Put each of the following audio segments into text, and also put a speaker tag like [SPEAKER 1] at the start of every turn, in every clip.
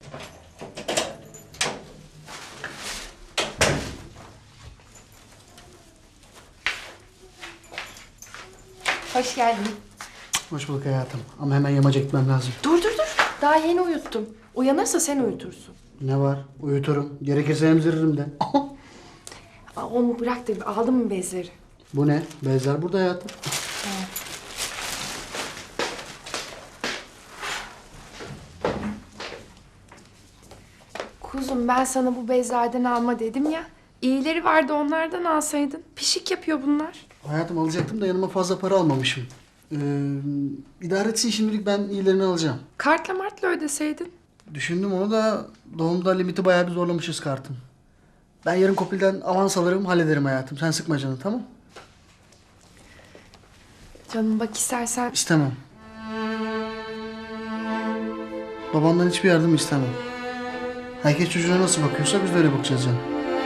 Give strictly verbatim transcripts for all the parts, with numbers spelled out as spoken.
[SPEAKER 1] Hoş geldin.
[SPEAKER 2] Hoş bulduk hayatım. Ama hemen yamaca gitmem lazım.
[SPEAKER 1] Dur dur dur. Daha yeni uyuttum. Uyanırsa sen uyutursun.
[SPEAKER 2] Ne var? Uyuturum. Gerekirse emziririm de.
[SPEAKER 1] Aa, onu bırak da aldın mı bezleri?
[SPEAKER 2] Bu ne? Bezler burada hayatım.
[SPEAKER 1] Kuzum ben sana bu bezlerden alma dedim ya. İyileri vardı onlardan alsaydın. Pişik yapıyor bunlar.
[SPEAKER 2] Hayatım alacaktım da yanıma fazla para almamışım. Ee, idare etsin şimdilik, ben iyilerini alacağım.
[SPEAKER 1] Kartla martla ödeseydin.
[SPEAKER 2] Düşündüm onu da doğumda limiti bayağı bir zorlamışız kartın. Ben yarın Kopil'den avans alırım, hallederim hayatım. Sen sıkma canını, tamam?
[SPEAKER 1] Canım bak istersen...
[SPEAKER 2] İstemem. Babandan hiçbir yardım istemem. Herkes çocuğuna nasıl bakıyorsa biz de öyle bakacağız canım.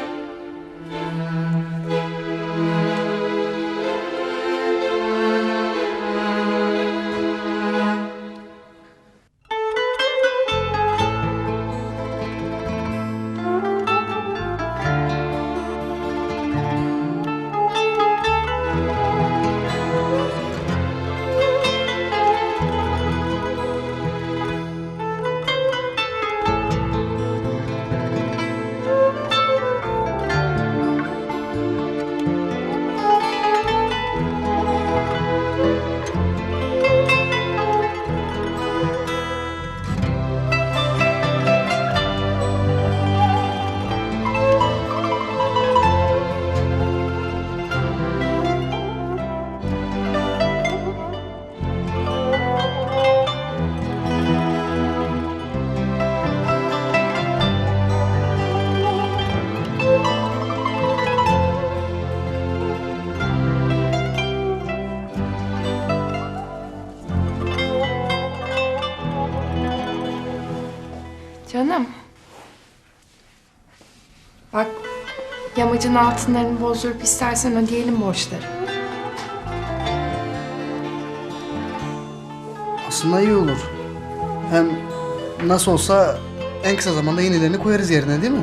[SPEAKER 1] Canım. Bak yamacın altınlarını bozdurup istersen ödeyelim borçları.
[SPEAKER 2] Aslında iyi olur. Hem nasıl olsa en kısa zamanda yenilerini koyarız yerine, değil mi?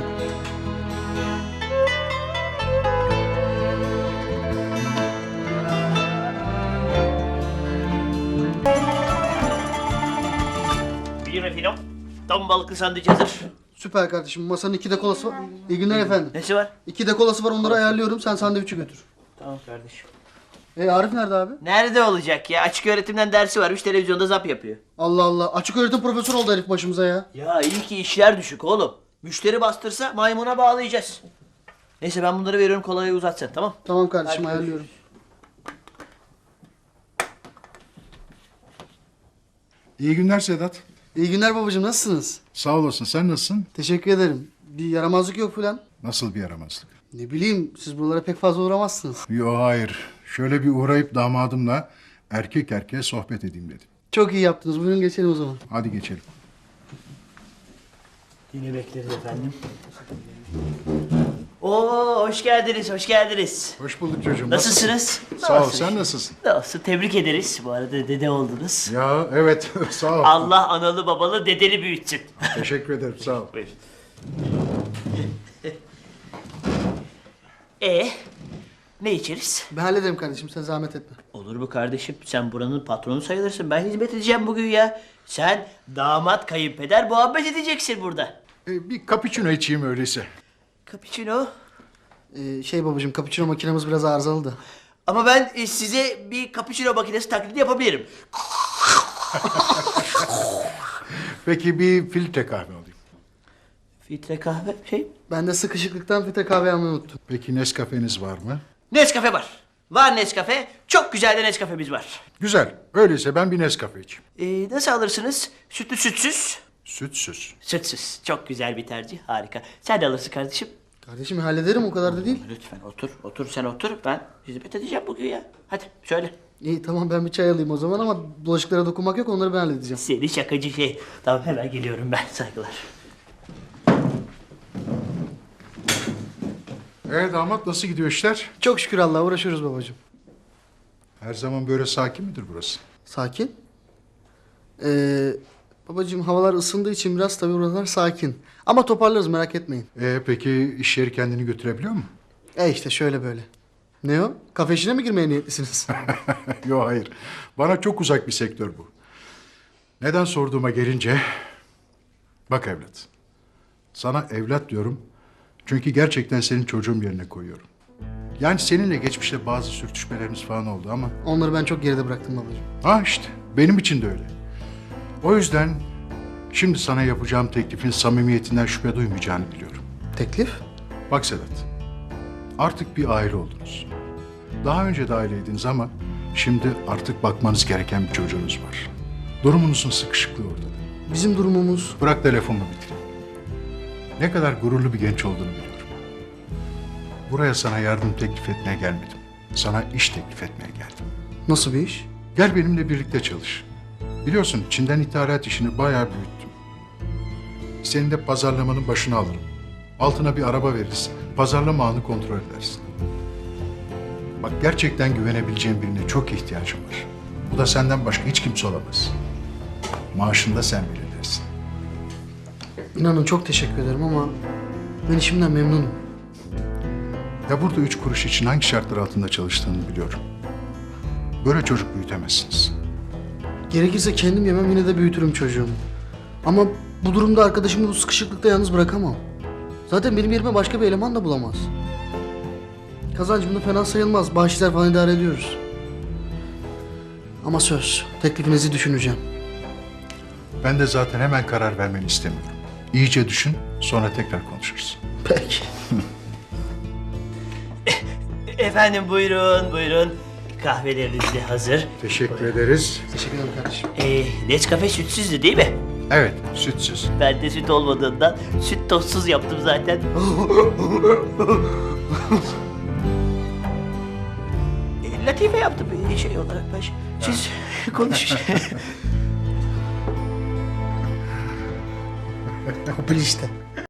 [SPEAKER 3] Buyurun efendim. Tam balıklı sandviç hazır.
[SPEAKER 2] Süper kardeşim. Masanın iki de kolası var. İyi günler efendim.
[SPEAKER 3] Nesi var?
[SPEAKER 2] İki de kolası var, onları ayarlıyorum. Sen sandviçi götür.
[SPEAKER 3] Tamam kardeşim.
[SPEAKER 2] E Arif nerede abi?
[SPEAKER 3] Nerede olacak ya? Açık öğretimden dersi varmış, televizyonda zap yapıyor.
[SPEAKER 2] Allah Allah. Açık öğretim profesörü oldu herif başımıza ya.
[SPEAKER 3] Ya iyi ki işler düşük oğlum. Müşteri bastırsa maymuna bağlayacağız. Neyse ben bunları veriyorum, kolayı uzat sen, tamam?
[SPEAKER 2] Tamam kardeşim,
[SPEAKER 3] Hadi
[SPEAKER 2] ayarlıyorum.
[SPEAKER 4] İyi günler Sedat.
[SPEAKER 2] İyi günler babacığım, nasılsınız?
[SPEAKER 4] Sağ olasın. Sen nasılsın?
[SPEAKER 2] Teşekkür ederim. Bir yaramazlık yok falan.
[SPEAKER 4] Nasıl bir yaramazlık?
[SPEAKER 2] Ne bileyim, siz buralara pek fazla uğramazsınız.
[SPEAKER 4] Yo hayır. Şöyle bir uğrayıp damadımla erkek erkeğe sohbet edeyim dedim.
[SPEAKER 2] Çok iyi yaptınız. Buyurun geçelim o zaman.
[SPEAKER 4] Hadi geçelim.
[SPEAKER 3] Yine bekleriz efendim. Oo, hoş geldiniz, hoş geldiniz.
[SPEAKER 4] Hoş bulduk çocuğum.
[SPEAKER 3] Nasılsınız?
[SPEAKER 4] Sağ ol.
[SPEAKER 3] Nasılsın?
[SPEAKER 4] Sen nasılsın?
[SPEAKER 3] Nasıl? Tebrik ederiz. Bu arada dede oldunuz.
[SPEAKER 4] Ya evet. Sağ ol.
[SPEAKER 3] Allah analı babalı dedeli büyütsün.
[SPEAKER 4] Teşekkür ederim. Sağ ol.
[SPEAKER 3] Buyurun. E ne içeriz?
[SPEAKER 2] Ben hallederim kardeşim, sen zahmet etme.
[SPEAKER 3] Olur mu kardeşim? Sen buranın patronu sayılırsın. Ben hizmet edeceğim bugün ya. Sen damat kayınpeder muhabbet edeceksin burada.
[SPEAKER 4] Ee, bir cappuccino içeyim öyleyse.
[SPEAKER 3] Cappuccino.
[SPEAKER 2] Ee, şey babacığım, cappuccino makinemiz biraz arızalı da.
[SPEAKER 3] Ama ben e, size bir cappuccino makinesi taklidi yapabilirim.
[SPEAKER 4] Peki bir filtre kahve alayım.
[SPEAKER 3] Filtre kahve şey.
[SPEAKER 2] Ben de sıkışıklıktan filtre kahve almayı unuttum.
[SPEAKER 4] Peki Nescafe'niz var mı?
[SPEAKER 3] Nescafe var. Var Nescafe. Çok güzel de Nescafe'miz var.
[SPEAKER 4] Güzel. Öyleyse ben bir Nescafe içeyim.
[SPEAKER 3] Ee, nasıl alırsınız? Sütlü sütsüz?
[SPEAKER 4] Sütsüz.
[SPEAKER 3] Sütsüz. Çok güzel bir tercih. Harika. Sen de alırsın kardeşim.
[SPEAKER 2] Kardeşim hallederim, o kadar da değil.
[SPEAKER 3] Lütfen otur. Otur sen otur. Ben hizmet edeceğim bugün ya. Hadi söyle.
[SPEAKER 2] İyi tamam, ben bir çay alayım o zaman ama bulaşıklara dokunmak yok, onları ben halledeceğim.
[SPEAKER 3] Seni şakacı şey. Tamam hemen geliyorum ben. Saygılar.
[SPEAKER 4] Ee damat nasıl gidiyor işler?
[SPEAKER 2] Çok şükür Allah'a uğraşıyoruz babacığım.
[SPEAKER 4] Her zaman böyle sakin midir burası?
[SPEAKER 2] Sakin. Ee, Babacığım havalar ısındığı için biraz tabii oralar sakin. Ama toparlarız merak etmeyin.
[SPEAKER 4] Ee, peki iş yeri kendini götürebiliyor mu?
[SPEAKER 2] E işte şöyle böyle. Ne o? Kafe işine mi girmeye niyetlisiniz?
[SPEAKER 4] Yok hayır. Bana çok uzak bir sektör bu. Neden sorduğuma gelince... Bak evlat. Sana evlat diyorum. Çünkü gerçekten senin çocuğum yerine koyuyorum. Yani seninle geçmişte bazı sürtüşmelerimiz falan oldu ama...
[SPEAKER 2] Onları ben çok geride bıraktım babacığım.
[SPEAKER 4] Ha işte benim için de öyle. O yüzden şimdi sana yapacağım teklifin samimiyetinden şüphe duymayacağını biliyorum.
[SPEAKER 2] Teklif?
[SPEAKER 4] Bak Sedat, artık bir aile oldunuz. Daha önce de aileydiniz ama şimdi artık bakmanız gereken bir çocuğunuz var. Durumunuzun sıkışıklığı ortada.
[SPEAKER 2] Bizim durumumuz...
[SPEAKER 4] Bırak telefonumu bitireyim. Ne kadar gururlu bir genç olduğunu biliyorum. Buraya sana yardım teklif etmeye gelmedim. Sana iş teklif etmeye geldim.
[SPEAKER 2] Nasıl bir iş?
[SPEAKER 4] Gel benimle birlikte çalış. Biliyorsun Çin'den ithalat işini bayağı büyüttüm. Senin de pazarlamanın başına alırım. Altına bir araba veririz. Pazarlama ağını kontrol edersin. Bak gerçekten güvenebileceğim birine çok ihtiyacım var. Bu da senden başka hiç kimse olamaz. Maaşını da sen belirlersin.
[SPEAKER 2] İnanın çok teşekkür ederim ama ben işimden memnunum.
[SPEAKER 4] Ya burada üç kuruş için hangi şartlar altında çalıştığını biliyorum. Böyle çocuk büyütemezsiniz.
[SPEAKER 2] Gerekirse kendim yemem yine de büyütürüm çocuğumu. Ama bu durumda arkadaşımı bu sıkışıklıkta yalnız bırakamam. Zaten benim yerime başka bir eleman da bulamaz. Kazancım da fena sayılmaz. Bahşişler falan idare ediyoruz. Ama söz, teklifinizi düşüneceğim.
[SPEAKER 4] Ben de zaten hemen karar vermeni istemiyorum. İyice düşün, sonra tekrar konuşuruz.
[SPEAKER 2] Peki.
[SPEAKER 3] Efendim buyurun buyurun. Kahveleriniz de hazır.
[SPEAKER 4] Teşekkür ederiz.
[SPEAKER 2] Teşekkür ederim kardeşim.
[SPEAKER 3] Ee, Nescafe sütsüzdü değil mi?
[SPEAKER 4] Evet, sütsüz.
[SPEAKER 3] Ben de süt olmadığından süt tozsuz yaptım zaten. E, Latife yaptım bir şey olarak ben. Siz konuşun.
[SPEAKER 2] Kopil işte.